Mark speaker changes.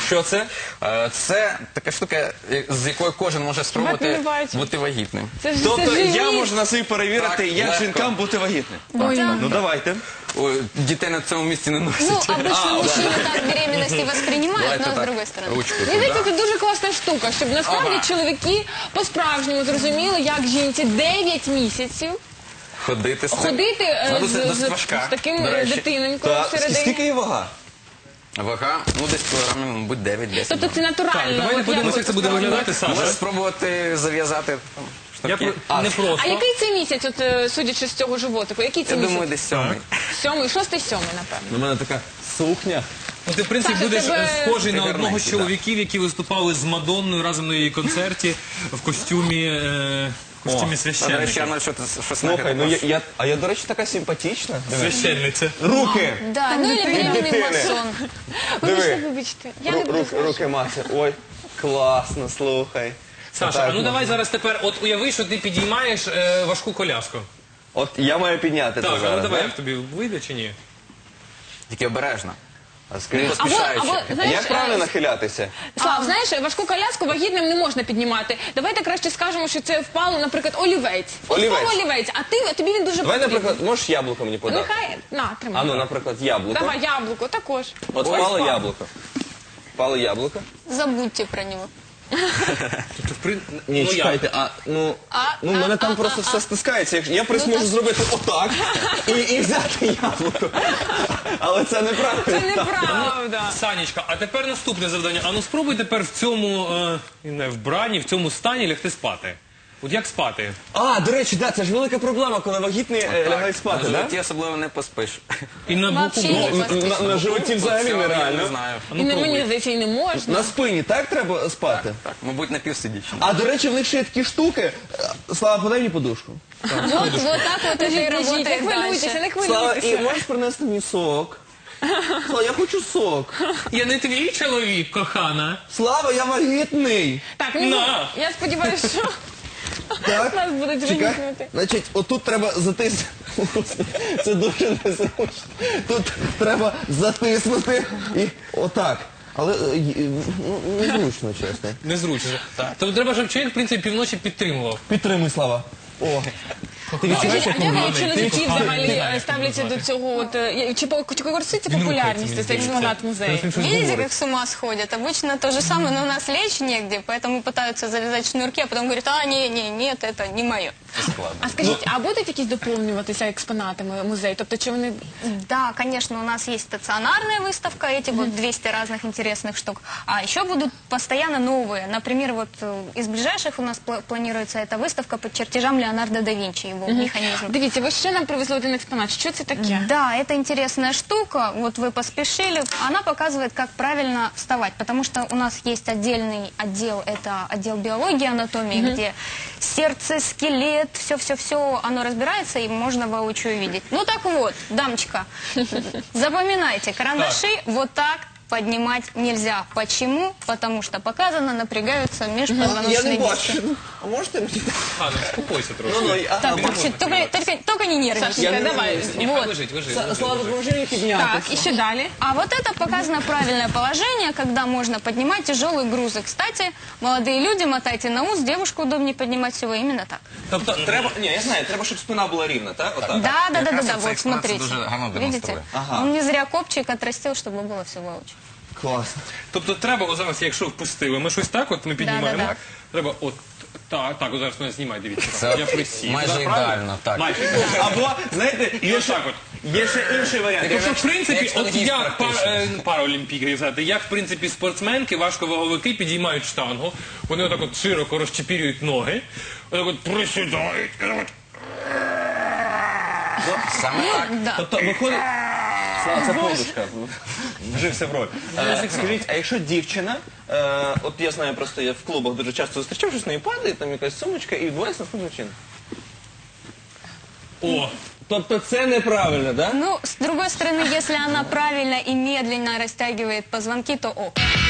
Speaker 1: Що це?
Speaker 2: Це така штука, з якою кожен може спробувати
Speaker 3: не бачу.
Speaker 2: бути вагітним.
Speaker 1: Тобто я
Speaker 3: живіт.
Speaker 1: можу на собі перевірити,
Speaker 2: Так,
Speaker 1: як
Speaker 2: легко.
Speaker 1: жінкам бути вагітним.
Speaker 3: Ой.
Speaker 1: Ну давайте.
Speaker 2: Ой, дітей на цьому місці не носять.
Speaker 4: Ну, обычно мужчины так беременности воспринимают,
Speaker 2: Давайте
Speaker 4: но с
Speaker 2: так,
Speaker 4: другой стороны.
Speaker 2: ручку
Speaker 3: Мені
Speaker 2: туди.
Speaker 3: здається, це дуже класна штука, щоб насправді
Speaker 2: Ага.
Speaker 3: чоловіки по-справжньому зрозуміли, як жінці 9 місяців
Speaker 2: Ходити з цим.
Speaker 3: ходити
Speaker 2: Ну, це досить
Speaker 3: з
Speaker 2: важка,
Speaker 3: таким
Speaker 2: до речі.
Speaker 3: дитиненькою
Speaker 1: Так,
Speaker 3: всередині.
Speaker 1: скільки є вага?
Speaker 2: Вага, ну десь кілограмів, мабуть, 9-10.
Speaker 3: Тобто це натурально.
Speaker 5: Давайте
Speaker 3: От
Speaker 5: подивимося,
Speaker 3: як
Speaker 5: як це буде виглядати,
Speaker 2: Можеш
Speaker 5: Саша.
Speaker 2: спробувати зав'язати
Speaker 5: Я
Speaker 2: штуки.
Speaker 5: не
Speaker 3: А
Speaker 5: просто.
Speaker 3: який це місяць, от судячи з цього животику? Який це
Speaker 2: Я
Speaker 3: місяць?
Speaker 2: думаю, десь 7.
Speaker 3: 7-й, 6-й, 7-й, напевно.
Speaker 1: У мене така сукня.
Speaker 5: Ну, ти, в принципі,
Speaker 3: Саша,
Speaker 5: будеш
Speaker 3: тебе-
Speaker 5: схожий
Speaker 2: Ти
Speaker 5: на одного з
Speaker 2: гарненький, да.
Speaker 5: чоловіків, які виступали з Мадонною разом на її концерті в костюмі,
Speaker 2: До речі, я
Speaker 5: священника.
Speaker 2: на щось
Speaker 1: Слухай, ну
Speaker 2: нагадав.
Speaker 1: я, до речі, така симпатична.
Speaker 5: Священниця.
Speaker 1: Руки!
Speaker 4: Да, ну или беременный
Speaker 1: дитины.
Speaker 4: масон.
Speaker 3: Вибачте,
Speaker 1: Диви.
Speaker 3: вибачте. Я не буду.
Speaker 1: Руки мати. Ой, класно, слухай.
Speaker 5: Саша,
Speaker 1: Так,
Speaker 5: а ну давай зараз тепер, от уяви, що ти підіймаєш важку коляску.
Speaker 1: От я маю підняти це
Speaker 5: Так, а ну
Speaker 1: зараз.
Speaker 5: давай,
Speaker 1: да?
Speaker 5: як тобі вийде чи ні?
Speaker 2: Тільки обережно.
Speaker 1: А скажи,
Speaker 2: Поспішаючи.
Speaker 3: знаєш,
Speaker 1: як правильно нахилятися?
Speaker 3: Слав, знаєш, важку коляску вагітним не можна піднімати. Давайте краще скажемо, що це впало, наприклад, олівець. От
Speaker 1: Олівець.
Speaker 3: впав олівець, а тобі він дуже
Speaker 1: Давай,
Speaker 3: потрібен.
Speaker 1: наприклад, можеш яблуко мені подати?
Speaker 3: Нехай, на, тримай.
Speaker 1: А ну, наприклад, яблуко.
Speaker 3: Давай, яблуко, також.
Speaker 1: От
Speaker 3: Ось
Speaker 1: впало
Speaker 3: впав.
Speaker 1: яблуко. Впало яблуко.
Speaker 4: Забудьте про него.
Speaker 1: Ні,
Speaker 5: Ну, як?
Speaker 1: чекайте, в мене там просто все стискається. Я можу зробити отак і взяти яблуко. Але це неправильно.
Speaker 3: Це неправда.
Speaker 5: Санечка, а тепер наступне завдання. А ну спробуй тепер в цьому вбранні, в цьому стані лягти спати. От як спати?
Speaker 1: А, до речі, да, це ж велика проблема, коли вагітні лягають спати,
Speaker 2: На
Speaker 1: так?
Speaker 2: животі особливо не поспиш.
Speaker 5: І на боку
Speaker 4: Вообще не
Speaker 5: можна?
Speaker 4: поспишь.
Speaker 1: На животі взагалі
Speaker 2: Цього я не
Speaker 1: нереально.
Speaker 2: знаю.
Speaker 5: А
Speaker 3: І
Speaker 5: ну
Speaker 3: не мені
Speaker 5: пробуй.
Speaker 3: здається, і не можна.
Speaker 1: На спині так треба спати?
Speaker 2: Так, мабуть, напівсидячи.
Speaker 1: А, до речі, в них ще є такі штуки. Слава, подай мені подушку.
Speaker 4: Вот так вот это и
Speaker 3: Не
Speaker 4: работает
Speaker 3: хвилюйтеся,
Speaker 4: дальше.
Speaker 3: не
Speaker 1: Слава, і
Speaker 3: хвилюйтеся.
Speaker 1: можеш принести мені сок? Слава, я хочу сок.
Speaker 5: Я не твій чоловік, кохана.
Speaker 1: Слава, я вагітний.
Speaker 3: Так,
Speaker 5: На.
Speaker 3: я сподіваюся, що
Speaker 1: Так?
Speaker 3: нас будуть
Speaker 1: Чекай.
Speaker 3: вигукнути.
Speaker 1: Значить, отут треба затиснути. Це дуже незручно. Тут треба затиснути і отак. Але незручно, чесно.
Speaker 5: Незручно. Тобто треба, щоб чоловік, в принципі, півночі підтримував.
Speaker 1: Підтримуй, Слава. О. Ти відчуваєш, як
Speaker 3: А як
Speaker 5: коханий,
Speaker 3: чоловіки
Speaker 5: ти коханий,
Speaker 3: взагалі
Speaker 5: не знаю, як
Speaker 3: ставляться
Speaker 5: його
Speaker 3: до цього? От, чи користується
Speaker 5: Він
Speaker 3: популярністю
Speaker 5: рухається,
Speaker 3: цей
Speaker 5: мені
Speaker 3: експонат
Speaker 5: здається.
Speaker 3: музею?
Speaker 5: Він щось
Speaker 4: Видите,
Speaker 5: говорить.
Speaker 4: как с ума сходят? Обычно то же самое, но у нас лечь негде, поэтому пытаются завязать шнурки, а потом говорят, нет, это не мое.
Speaker 3: А скажіть, а будуть якісь доповнюватися експонатами музею? Тобто, чи вони...
Speaker 4: Да, конечно, у нас есть стационарная выставка, эти вот 200 разных интересных штук. А еще будут постоянно новые. Например, вот из ближайших у нас планируется эта выставка по чертежам Леонардо да Винчи, его механизм.
Speaker 3: Дивіться, ви ще нам привезли один експонат. Що це таке?
Speaker 4: Да, это интересная штука. Вот вы поспешили. Она показывает, как правильно вставать. Потому что у нас есть отдельный отдел, это отдел биологии, анатомии, где сердце, скелет, все-все-все, оно разбирается, и можно воочию видеть. Ну так вот, дамочка, запоминайте, карандаши вот так поднимать нельзя. Почему? Потому что показано, напрягаются
Speaker 1: Я не
Speaker 4: межпозвоночные диски.
Speaker 1: бачу. А можете мені?
Speaker 5: А, ну спокойся трошки.
Speaker 4: Так, вообще, только не нервничай.
Speaker 3: Сашенька, давай.
Speaker 5: Ні,
Speaker 4: Вот.
Speaker 5: лежить.
Speaker 1: Слава, допоможи мені підняти.
Speaker 3: Так, і ще далі.
Speaker 4: А вот это показано правильное положение, когда можно поднимать тяжелые грузы. Кстати, молодые люди, мотайте на ус, девушку удобнее поднимать всего именно так.
Speaker 1: Тобто треба, ні, я знаю, треба, щоб спина була рівна, так? Отак.
Speaker 4: Да,
Speaker 2: Якраз
Speaker 4: вот
Speaker 2: оцей экспонат
Speaker 4: смотрите.
Speaker 2: дуже гарно
Speaker 4: Видите?
Speaker 2: демонструє.
Speaker 1: Ага.
Speaker 4: Он не зря копчик отрастил, чтобы было все воочию.
Speaker 1: Класно.
Speaker 5: Тобто треба, от зараз, якщо впустили, ми щось так, от ми піднімаємо.
Speaker 4: Да-да-да.
Speaker 5: Треба от так, от зараз мене знімай, дивіться.
Speaker 2: Це
Speaker 5: Я присів.
Speaker 2: майже
Speaker 5: Так, правильно?
Speaker 2: ідеально, так.
Speaker 5: Майже.
Speaker 1: Або, знаєте, є ще,
Speaker 5: так от.
Speaker 1: є ще інший варіант.
Speaker 5: Тобто, в принципі,
Speaker 2: Як
Speaker 5: от
Speaker 2: штангіст
Speaker 5: як
Speaker 2: практично.
Speaker 5: паралімпійки взяти, як, в принципі, спортсменки, важковаговики підіймають штангу, вони отак от широко розчепірюють ноги, отак от присідають, і так от.
Speaker 2: Саме так.
Speaker 1: Тобто виходить... Слава, це подушка. Вжився в роль. Скажіть, а якщо дівчина, от я знаю, просто я в клубах дуже часто зустрічав, що з нею падає, там якась сумочка, і відбувається наступним чином.
Speaker 5: О,
Speaker 1: Тобто це неправильно, так? Да?
Speaker 4: Ну, с другой стороны, если она правильно и медленно растягивает позвонки, то ок.